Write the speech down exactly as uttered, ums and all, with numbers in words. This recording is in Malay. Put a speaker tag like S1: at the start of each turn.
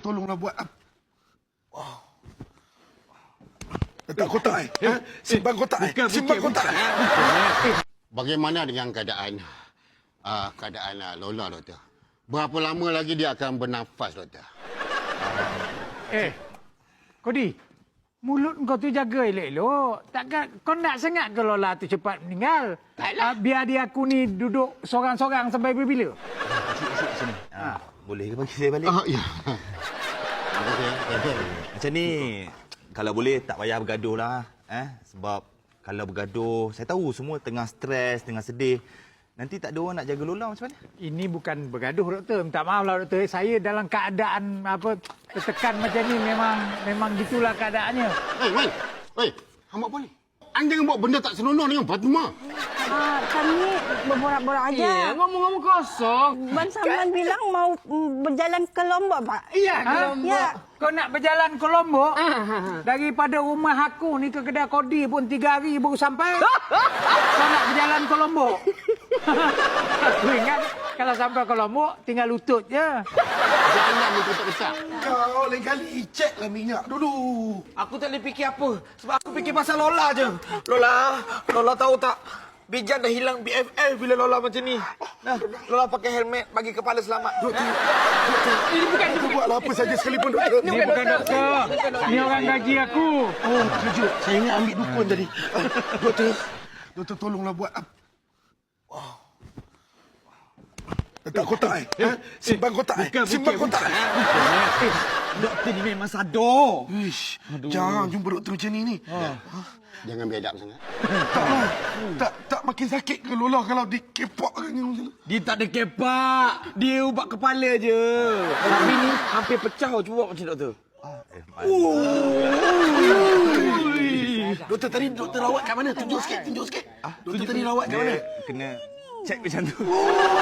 S1: tolonglah buat apa? Oh. Letak kotak eh? Ha? Simpan kotak eh? Simpan kotak eh?
S2: Bagaimana dengan keadaan uh, keadaan uh, Lola, doktor? Berapa lama lagi dia akan bernafas, doktor?
S3: Eh, Kodi, mulut kau tu jaga elok-elok. Takkan kau nak sangat ke Lola tu cepat meninggal?
S2: Taklah.
S3: Uh, biar dia aku ni duduk sorang-sorang sampai bila?
S4: Sini. Ha, boleh ke bagi saya balik?
S2: Oh, ya.
S4: Macam ni, kalau boleh tak payah bergaduh lah. Eh? Sebab kalau bergaduh, saya tahu semua tengah stres, tengah sedih. Nanti tak ada orang nak jaga Lola macam mana?
S3: Ini bukan bergaduh, doktor. Minta maaf lah, doktor. Saya dalam keadaan apa tertekan macam ni memang memang gitulah keadaannya.
S2: Hei, Man. Hei, hamba apa ni? Anda jangan buat benda tak senonoh dengan Fatimah.
S5: Ah, kami berborak-borak aja.
S6: Ya, ngomong-ngomong kosong.
S5: Ban Saman bilang mau mm, berjalan ke Lombok, Pak.
S3: Iya, ha?
S5: Ya.
S3: Kau nak berjalan ke Lombok? Daripada rumah aku ni ke kedai Kodi pun tiga hari baru sampai. Kau nak berjalan ke Lombok? Aku ingat kalau sampai ke Lombok tinggal lutut je.
S2: Jangan ni ketak-ketak.
S1: Kau lain kali ceklah minyak dulu.
S6: Aku tak boleh fikir apa. Sebab aku fikir pasal Lola je. Lola, Lola tahu tak? Bijan dah hilang B F F bila Lola macam ni. Nah, Lola pakai helmet bagi kepala selamat.
S1: Doktor, doktor, ini bukan doktor buatlah apa saja sekalipun doktor.
S3: Ini bukan doktor. Ini orang gaji aku.
S1: Oh, terkejut. Saya ingat ambil dukun tadi. Ah, doktor, doktor tolonglah buat apa? Oh. Letak kotak eh? Ha? Simpan kotak eh? Simpan kotak eh?
S6: Eh, doktor ni memang sadar.
S1: Ish, jarang jumpa doktor macam ni ni.
S2: Jangan biadab sangat.
S1: Taklah. Tak tak makin sakit ke Lola kalau dikepok kan macam tu?
S6: Dia tak ada kepak. Dia ubat kepala je. Tapi ni hampir pecah cuba macam doktor.
S1: Doktor tadi doktor rawat kat mana? Tunjuk sikit, tunjuk sikit. Doktor tadi rawat kat mana?
S4: Kena check macam tu.